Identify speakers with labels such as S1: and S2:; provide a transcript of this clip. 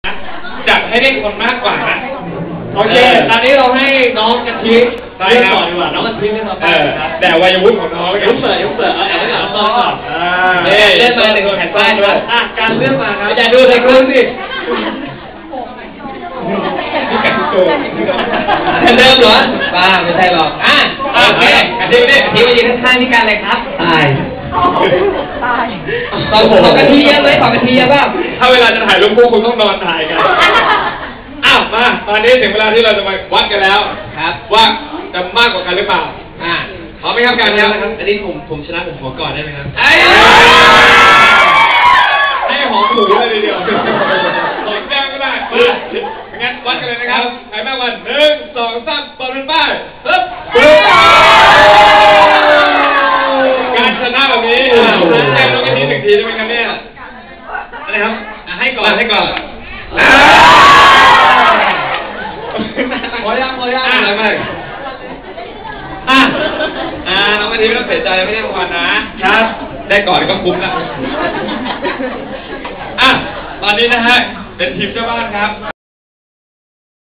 S1: จัดให้ได้คนมากกว่านะ
S2: โอเคตอนนี้เราให้น้องกะทิเลือกก่อนดีกว่าน้องกะทิเลือกมา
S1: แต่วัยวุฒิของน้อง
S2: ยุบเปิดเอาแต่ไม่หลับก่อนเลือกมาหนึ่งแผ่นป้ายด้วยการเลือกมาครับอย่าดูเลยคุณสิ
S1: นี่กันโกง
S2: เริ่มเหรอป้าไม่ใช่หรอกโอเคกะทินี่กะทิมายืนข้างๆที่การเลยครับตายตอนผมกะทิเยอะไหมขอกะทิเยอะบ้าง
S1: ถ้าเวลาจะถ่ายรูปคู่คุณต้องนอนถ่ายกันมาตอนนี้ถึงเวลาที่เราจะมาวัดกันแล้ว
S2: ครับ
S1: ว่าจะมากกว่ากันหรือเปล่าพร้อมไหมครับการครับ
S2: อันนี้ผมชนะผมขอก่อนได้ไหมครับ
S1: ให้หอมหูเลยทีเดียวหอมแก้มก็ได้งั้นวัดกันเลยนะครับใครมากกว่า1 2 3เปิดเป็นป้ายการชนะแบบนี้แจ้งน้องกะทิ1 ทีได้ไหมครับเนี่ยอะไรครับให้ก่อน
S2: พอยัง
S1: อะไรมากน้องกะทิไม่ต้องเสียใจไม่ได้รางวัลนะครับได้ก่อนก็คุ้มละตอนนี้นะฮะเป็นทีมเจ้าบ้านครับ